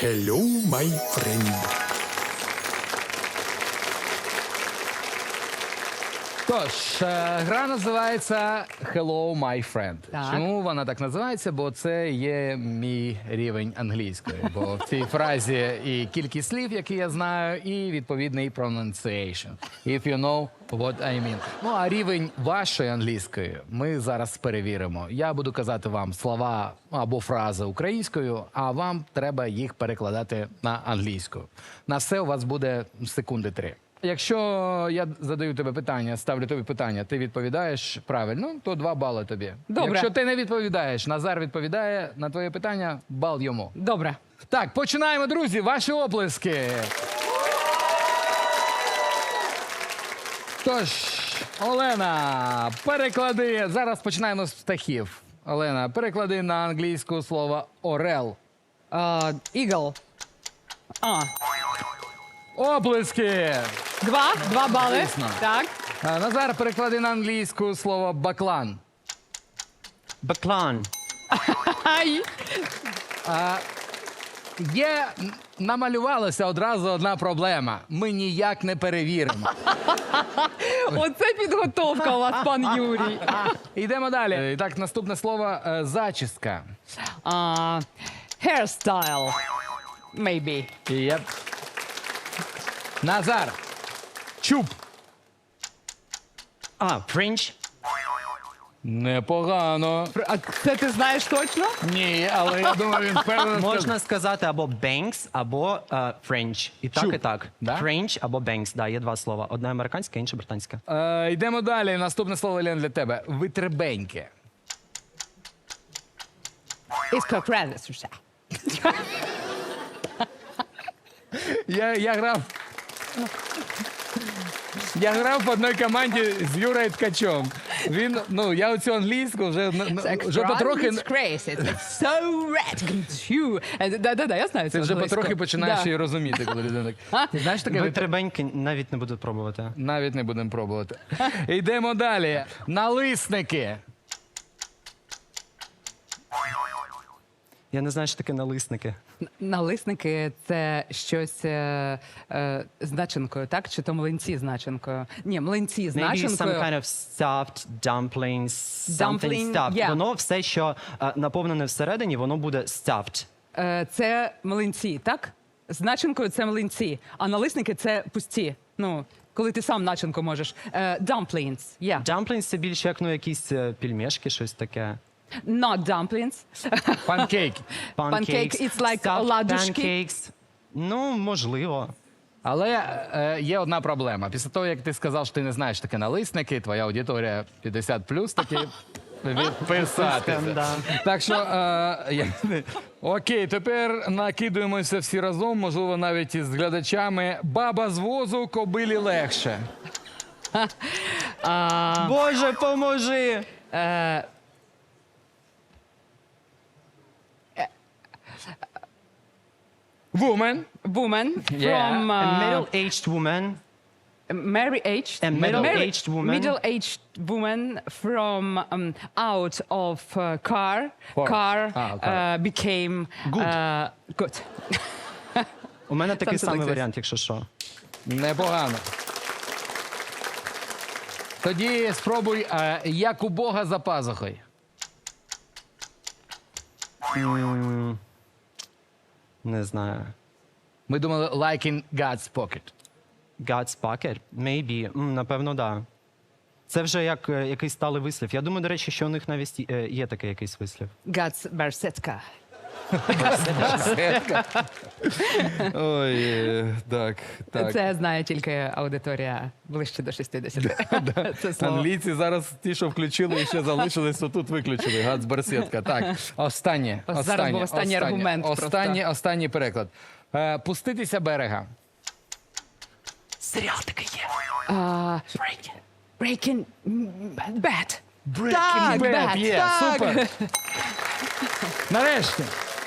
Hello, my friend. Тож, гра називається Hello, my friend. Так. Чому вона так називається? Бо це є мій рівень англійської. Бо в цій фразі і кількість слів, які я знаю, і відповідний pronunciation. If you know what I mean. Ну, а рівень вашої англійської ми зараз перевіримо. Я буду казати вам слова або фрази українською, а вам треба їх перекладати на англійську. На все у вас буде секунди 3. Якщо я задаю тобі питання, ставлю тобі питання, ти відповідаєш правильно, то 2 бали тобі. Добре. Якщо ти не відповідаєш, Назар відповідає на твоє питання, бал йому. Добре. Так, починаємо, друзі, ваші оплески. Тож, Олена, переклади. Зараз починаємо з птахів. Олена, переклади на англійську слово орел. Eagle. Оплески! 2 бали. Звісно. Так. Назар, переклади на англійську слово баклан. Баклан. Ай. Намалювалася одразу одна проблема. Ми ніяк не перевіримо. Оце підготовка у вас, пан Юрій. Йдемо далі. І так, наступне слово зачіска. Hairstyle. Maybe. Єп. Назар. Чуб. Френч. Непогано. А це ти знаєш точно? Ні, але я думаю, він впевнений. Можна сказати або Бенкс, або Френч. І так, Чуб. і так. Да? Френч або Бенкс. Да, є 2 слова. Одне американське, інше британське. Йдемо далі. Наступне слово, Лен, для тебе. Витребеньке. Іскокредис. Я грав. Я грав в одній команді з Юрою Ткачом. Він, я оцю англійську вже потрохи. It's so red. Да, я знаю. Ти вже англійську. потрохи починаєш Да. її розуміти, коли людина так. Ти знаєш таке? Витребеньки навіть не буду пробувати. Навіть не будемо пробувати. Йдемо далі. Налисники. Я не знаю, що таке налисники. Налисники – це щось з начинкою, так? Чи то млинці з начинкою? Ні, млинці з Maybe some начинкою. kind of stuffed dumplings, something Dumpling, stuffed. yeah. Воно все, що наповнене всередині, воно буде stuffed. Це млинці, так? З начинкою це млинці, а налисники – це пусті. Ну, коли ти сам начинку можеш. Dumplings, yeah. Dumplings – це більше як якісь пельмешки, щось таке. Not dumplings. Панкейки. Pancake, it's like stuffed оладушки. pancakes. Ну, можливо. Але є одна проблема. Після того, як ти сказав, що ти не знаєш таке налисники, твоя аудиторія 50+, таки відписатися. Да. Так що, окей, тепер накидуємося всі разом, можливо, навіть із глядачами. Баба з возу, кобилі легше. Боже, поможи! Woman. Woman Yeah. from A middle-aged woman. married-aged. A middle-aged woman. Middle-aged woman from out of car. Car car. became good. У мене такий Something самий like this. варіант, якщо що. Непогано. Тоді спробуй, як у Бога за пазухою. Не знаю. Ми думали, like in God's pocket. God's pocket? Maybe. Напевно, да. Це вже як якийсь сталий вислів. Я думаю, до речі, що у них навіть є такий якийсь вислів. God's берсетка. Ой, так. Це знає тільки аудиторія ближче до 60. Це слово. Англійці зараз ті, що включили і ще залишились, то тут виключили. Гац барсетка. Так, останнє. Зараз був останній аргумент просто. Останній переклад. Пуститися берега. Серіал такий є. Breaking Bad. Breaking Bad, є, супер. Нарешті.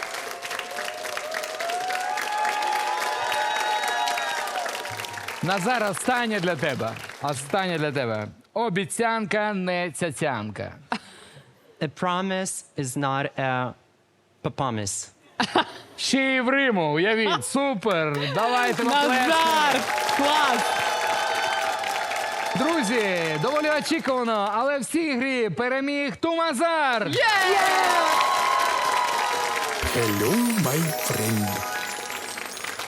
Назар, останнє для тебе. Останнє для тебе. Обіцянка не цяцянка. A promise is not a papamis. Ще й в Риму, уявіть, супер! Давайте поплескаємо. Назар! Клас! Друзі, доволі очікувано, але в цій грі переміг Тумазар! Hello, my friend.